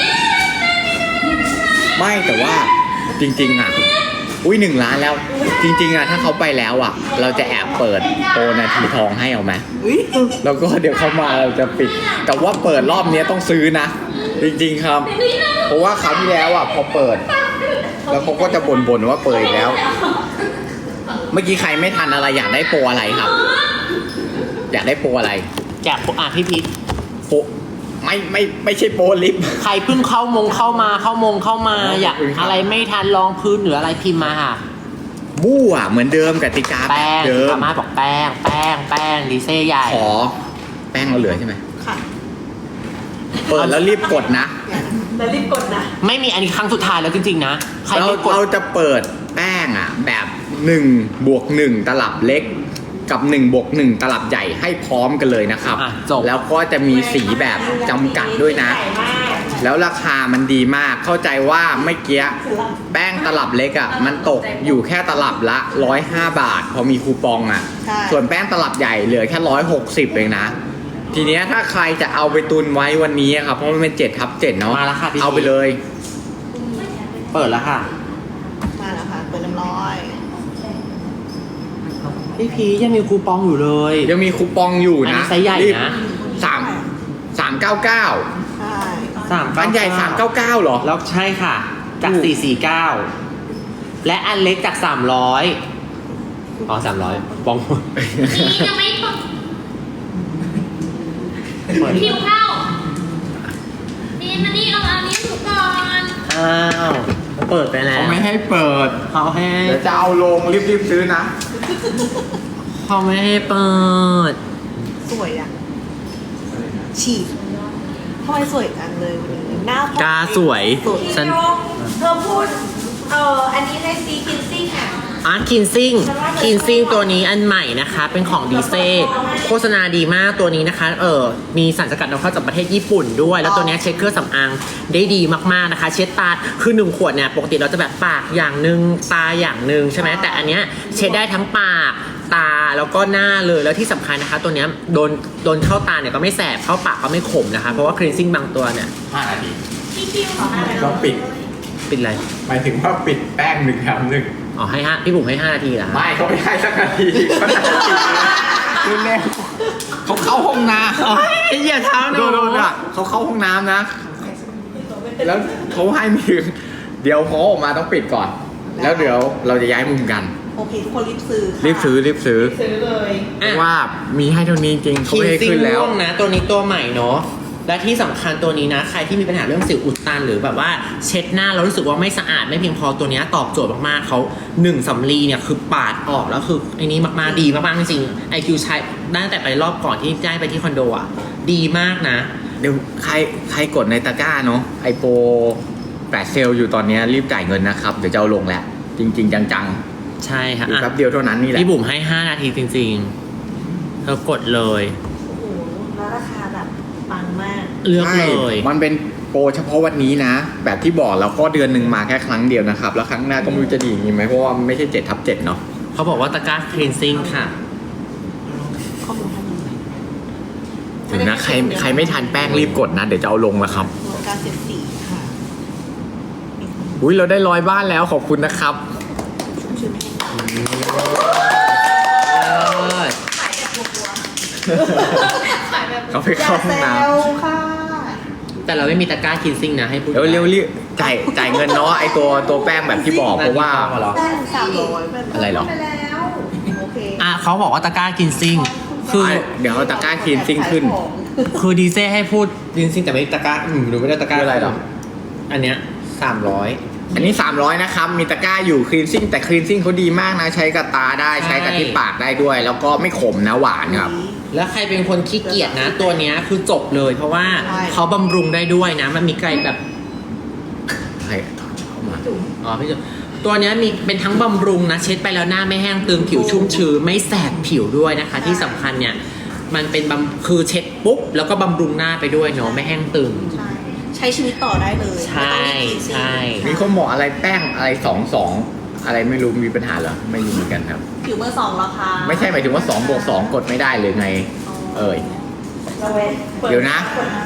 S3: ไม่แต่ว่าจริงๆอ่ะอุ้ยหนึ่งล้านแล้ว จริง ๆอ่ะถ้าเขาไปแล้วอ่ะ เราจะแอบเปิดโปรนาทีทองให้เอาไหมแล้วก็เดี๋ยวเขามาเราจะปิด แต่ว่าเปิดรอบนี้ต้องซื้อนะ จริงๆครับ เพราะว่าคราวที่แล้วอ่ะพอเปิด แล้วเขาก็จะบ่นๆว่าเปิดอีกแล้ว เมื่อกี้ใครไม่ทันอะไรอยากได้โปรอะไรครับ อยากได้โปรอะไร
S1: แจกอ่ะพี่พีท
S3: โปรไม่ไม่ไม่ใช่โปรลิฟต์
S1: ใครเพิ่งเข้ามงเข้ามาเข้ามงเข้ามา
S3: อ๋อ
S1: อยาก
S3: ขอบคุณครับ
S1: อะไรไม่ทันลองพื้นหรืออะไรพิมพ์มาค่ะ
S3: บู้อ่ะเหมือนเดิมกติกาแบ
S1: แป้
S3: บ
S1: ง
S3: เดิม
S1: สามารถบอกแป้ง แป้ง แป้งดีเซ่ใหญ่
S3: ขอแป้งเราเหลือใช่ไหม
S4: ค่ะ
S3: เปิดแล้วรีบกดนะ
S4: แล้วรีบกดนะ
S1: ไม่มีอันนี้ครั้งสุดท้ายแล้วจริงๆนะ ใคร
S3: เรา
S1: ไม่กด
S3: เราจะเปิดแป้งอ่ะ แบบ1บวก1ตลับเล็ก กับ1บวก1ตลับใหญ่ให้พร้อมกันเลยนะครับ
S1: อ่ะจบ
S3: แล้วก็จะมีสีแบบจำกัดด้วยนะ แล้วราคามันดีมากเข้าใจว่าเมื่อกี้แป้งตลับเล็กอ่ะมันตกอยู่แค่ตลับละหนึ่งร้อยห้าบาท พอมีคูปองอ่ะ
S4: ใช่
S3: ส่วนแป้งตลับใหญ่เหลือแค่หนึ่งร้อยหกสิบเองนะ ทีเนี้ยถ้าใครจะเอาไปตุนไว้วันนี้อะครับ เพราะมันเป็นเจ็ดทับเจ็ดเนาะ
S1: มาแล้วค่ะพี่
S3: เอาไปเลย
S1: เปิดแล้วค่ะ
S4: มาแล้วค่ะ เปิดเรียบร้อย
S1: พี่พีชยังมีคูปองอยู่เลย
S3: ยังมีคูปองอยู่
S1: อันนี้
S3: นะ
S1: ไซส์ใหญ่
S3: รีบ
S1: นะ
S3: สามสามเก้าเก้า
S4: ใช่
S1: สาม
S3: อันใหญ่สามเก้าเก้าเหรอ
S1: แล้วใช่ค่ะ จาก
S3: ถูก
S1: สี่สี่เก้าและอันเล็กจากสามร้อยอ๋อสามร้อยปอง
S2: นี่ยังไม่พอ
S1: เปิด
S2: คิวเข้านี่มานี่เอาอันนี้ถูกก่อน
S1: อ้าวเปิดไปแล้ว
S3: เขาไม่ให้เปิด
S1: เขาให้
S3: เดี๋ยวจะเอาลงรีบๆซื้อนะ
S1: เขาไม่ให้เปิด
S4: สวยอ่ะ ฉีดทำไมสวยจังเลยวันนี้หน้าพอง
S1: กาสวย
S4: สวย
S1: ฉัน
S5: เธอพูด เอออันนี้ให้ซีคินซี่ค่ะ
S1: อาร์ตคินซิ่งคินซิ่งตัวนี้อันใหม่นะคะ เป็นของดีเซโฆษณาดีมากตัวนี้นะคะเออมีสารสกัดนำเข้าจากประเทศญี่ปุ่นด้วย แล้วตัวนี้เช็ดเครื่องสำอางได้ดีมากๆนะคะ เช็ดตาคือหนึ่งขวดเนี่ยปกติเราจะแบบปากอย่างหนึ่งตาอย่างหนึ่งใช่ไหมแต่อันเนี้ยเช็ดได้ทั้งปากตาแล้วก็หน้าเลยแล้วที่สำคัญนะคะ ตัวเนี้ยโดนโดนเข้าตาเนี่ยก็ไม่แสบเข้าปากก็ไม่ขมนะคะเพราะว่าคลีนซิ่งบางตัวเนี่ย
S3: ห้านาที
S2: พี่คิวขอมาเลย
S3: ต้องปิด
S1: ปิดอะไร
S3: หมายถึงว่าปิดแป้งหนึ่งแถมหนึ่ง
S1: อ๋อให้ห้าพี่บุ๋มให้ห้านาทีเหรอคะ
S3: ไม่เขาไม่ให้สักนาทีเขาจะปิดคือแน่เขาเข้าห้องน้ำ
S1: โอ้ยอย่าเท้าห
S3: โด
S1: นู
S3: นโดนอ่ะเขาเข้าห้องน้ำนะ แล้วเขาให้ไม่ถึงเดี๋ยวเขาออกมาต้องปิดก่อน แล้วเดี๋ยวเราจะย้ายมุมกัน
S4: โอเคทุกคนรีบซื้อค่ะ
S3: รีบซื้อรีบซื้อ
S4: ซื้อเลย
S3: เพราะว่ามีให้เท่านี้จริงเขา
S1: คิน
S3: ไม่ให้
S1: ซิ่ง
S3: ขึ้นแล้ว
S1: ม่วงนะตัวนี้ตัวใหม่เนาะและที่สำคัญตัวนี้นะใครที่มีปัญหาเรื่องสิวอุดตันหรือแบบว่าเช็ดหน้าแล้วรู้สึกว่าไม่สะอาดไม่เพียงพอตัวนี้ตอบโจทย์มากๆเขาหนึ่งสำลีเนี่ยคือปาดออกแล้วคือไอ้นี้มากๆดีมากๆจริงๆไอคิวใช้ตั้งแต่ไปรอบก่อนที่ได้ไปที่คอนโดอ่ะดีมากนะ
S3: เดี๋ยวใครใครกดในตะกร้าเนาะไอโปรแปดเซลล์อยู่ตอนนี้รีบจ่ายเงินนะครับ เดี๋ยวจะเอาลงแล้ว จริง ๆ จัง
S1: ใช่
S3: ๆ
S1: ค่ะ
S3: อยู่
S1: อ่ะ
S3: แป๊บเดียวเท่านั้นนี่แหละ
S1: พี่บุ๋มให้ห้านาทีจริงๆเธอกดเลย
S4: โอ้โหแล้วราคาแบบปังมาก
S1: เลือก
S3: ใช่
S1: เลย
S3: มันเป็นโปรเฉพาะวันนี้นะ แบบที่บอกแล้วก็เดือนหนึ่งมาแค่ครั้งเดียวนะครับ แล้วครั้งหน้าก็ไม่รู้จะดีอย่างนี้ไหมเพราะว่ามันไม่ใช่เจ็ดทับเจ็ดเนาะ
S1: เขาบอกว่าตะกร้าคลีนซิ่งค่ะ
S4: ข้อมูลท่านนี้
S3: ถึงนะใครใครไม่ทันแป้งรีบกดนะ เดี๋ยวจะเอาลงแล้วครับ
S4: การเสียดสีค่ะ
S3: อุ้ยเราได้ร้อยบ้านแล้วขอบคุณนะครับ
S4: ชุ่มชื้นให้
S3: เขาไปเข้าห้องน้
S4: อย่าแซวค่ะ
S1: แต่เราไม่มีตะกร้าคลีนซิ่งนะให้พูด
S3: ำเร็วเร็วรีบจ่ายจ่ายเงินเนาะไอตัวตัวแป้งแบบที่บอกเพราะว่า
S4: แป้งสามร้อย
S3: อะไรหรอ
S4: ไปแล้วโอเค
S1: อ่ะเขาบอกว่าตะกร้าคลีนซิ่งคือ
S3: เดี๋ยวเอาตะกร้าคลีนซิ่งขึ้น
S1: คือดีเซ่ให้พูดคลีนซิ่งแต่ไม่ตะกร้าอืมดูไม่ได้ตะกร้า
S3: คืออะไรหรอ
S1: อันเนี้ยสามร้อย
S3: อันนี้สามร้อยนะครับ มีตะกร้าอยู่คลีนซิ่งแต่คลีนซิ่งเขาดีมากนะ ใช้กับตาได้ใช้กับที่ปากได้ด้วย แล้วก็ไม่ขมนะหวานครับ
S1: แล้วใครเป็นคนขี้เกียจนะ ตัวเนี้ยคือจบเลย เพราะว่า
S4: ใช่
S1: เขาบำรุงได้ด้วยนะ มันมีไกลแบบ
S3: ใครเข้ามา
S1: อ๋อพี่จุ๊บตัวเนี้ยมีเป็นทั้งบำรุงนะ เช็ดไปแล้วหน้าไม่แห้งตึงผิวชุ่มชื้นไม่แสบผิวด้วยนะคะ ที่สำคัญเนี่ยมันเป็นบำคือเช็ดปุ๊บแล้วก็บำรุงหน้าไปด้วยเนาะไม่แห้งตึง
S4: ใช่ใช้ชีวิตต่อได้เลย
S1: ใช่
S4: ไม่ต้องมี
S1: ใช่
S3: มีคนบอกอะไรแป้งอะไรสองสองอะไรไม่รู้มีปัญหาเหรอไม่รู้เหมือนกันครับ
S4: ผิวเบอร์สองราคา
S3: ไม่ใช่หมายถึงว่าสองบวกสองกดไม่ได้เลยไง เอ่ย เดี๋ยวนะ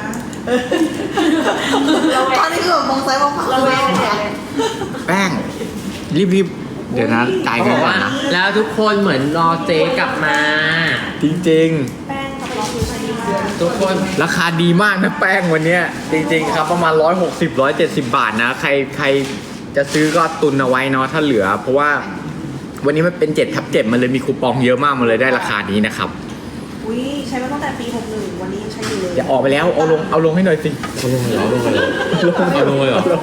S4: ตอนนี้คือแบบมองซ้ายมองขวาระแวงเลย
S3: แป้งรีบรีบเดี๋ยวนะจ่าย
S1: เขา
S3: เงิ
S1: บ
S3: น
S1: อก
S3: ก่อน
S1: ว่า
S3: นะ
S1: แล้วทุกคนเหมือนรอเจ๊กลับมา
S3: จริง
S4: แป้งทำให้ผิวใช้ดีมาก
S1: ทุกคน
S3: ๆ ราคาดีมากนะแป้งวันเนี้ยจริง ๆ ครับประมาณร้อยหกสิบร้อยเจ็ดสิบบาทนะ ใครใครจะซื้อก็ตุนเอาไว้เนาะถ้าเหลือ เพราะว่าวันนี้มันเป็นเจ็ดทับเจ็ดมันเลยมีคูปองเยอะมากมันเลยได้ราคานี้นะครับ
S4: อุ้ยใช้มาตั้งแต่ปีหกหนึ่งวันนี้ยังใช้อยู่เลย
S3: อย่าออกไปแล้วเอาลงเอาลงให้หน่อยสิ
S1: เอาลงเลยเหรอเอาลงเลยเหรอเอาลงเลยเหรอ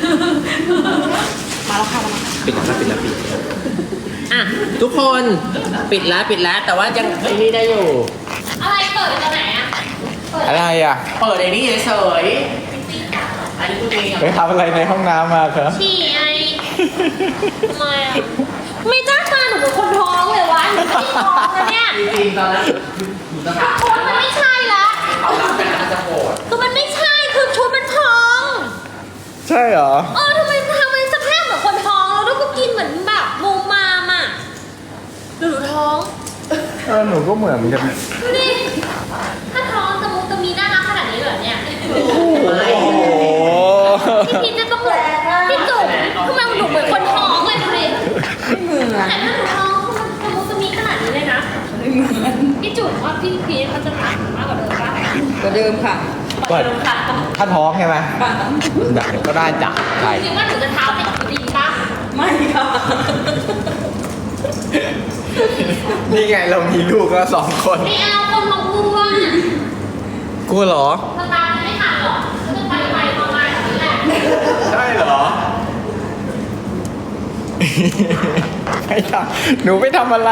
S4: มาแล้วค่ะมาแล้วค่ะ
S1: ปิดแล้วปิดแล้วปิดแล้วอ่ะทุกคนปิดแล้วปิดแล้วแต่ว่ายังไอ้นี่ได้อยู่
S2: อะไรเปิดตอนไหนอะเปิด
S3: อะไรอ่ะ
S1: เปิดไอ้นี่เฉยๆอันนี้คุณเอง
S3: ไปทำอะไรในห้องน้ำมาครับ
S2: ฉี่ไอทำไมอะไม่จ้าตาหนูเป็นคนท้องเลยวะหนูไม่ได้ท้องนะเนี่ย
S1: จริงๆตอนแรกคุณจะถาม
S2: ชุดมันไม่ใช่ละ
S1: เขารับเป็นอาจจะโกรธ
S2: คือมันไม่ใช่คือชุดมันท้อง
S3: ใช่เหรอ
S2: เออทำไมทำไมสภาพเหมือนคนท้องแล้วก็กินเหมือนแบบมูมามอ่ะหรือหนูท้อง
S3: เออหนูก็เหมือนกัน
S2: ดูดิถ้าท้องจะมุจะมีน่ารักขนาดนี้เหรอเนี่ย
S3: โอ้โห
S2: พี่พีชจะต้องเหมือนพี่จุ๋มทำไมหนูเหมือนคนท้องเลยดูดิ
S5: เหมือน
S2: แต่ถ้าหนูท้องมันจะมุจะมีขนาดนี้เลยนะ
S5: ไม่เหมือน
S2: พี่จุ๋มว่าพี่พีชเขาจะถามมากกว่าเดิมปะ
S5: กว่าเดิมค่ะ
S3: ก็
S2: เดิมค่ะ
S3: ถ้าท้องใช่ไหมได้ก็ได้จ้ะใช่
S2: จริงว่าหนูจะเท้าติดดีปะ
S5: ไม่ค่ะ
S3: นี่ไงเรามีลูกแล้วสองคน
S2: ไม่เอาคนมองกลัว
S3: กลัวเหรอ
S2: สตาร์ทไม่ทันหรอกจะไปไปประมาณนี้แหละ
S3: ใช่เหรอ ไม่ทำหนูไม่ทำอะไร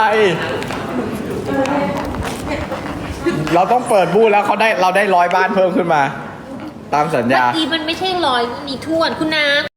S3: เราต้องเปิดบูธแล้วเขาได้เราได้ร้อยบ้านเพิ่มขึ้นมา ตามสัญ
S2: เมื่
S3: ญา
S2: อกี้มันไม่ใช่ร้อยมีทวนคุณน้า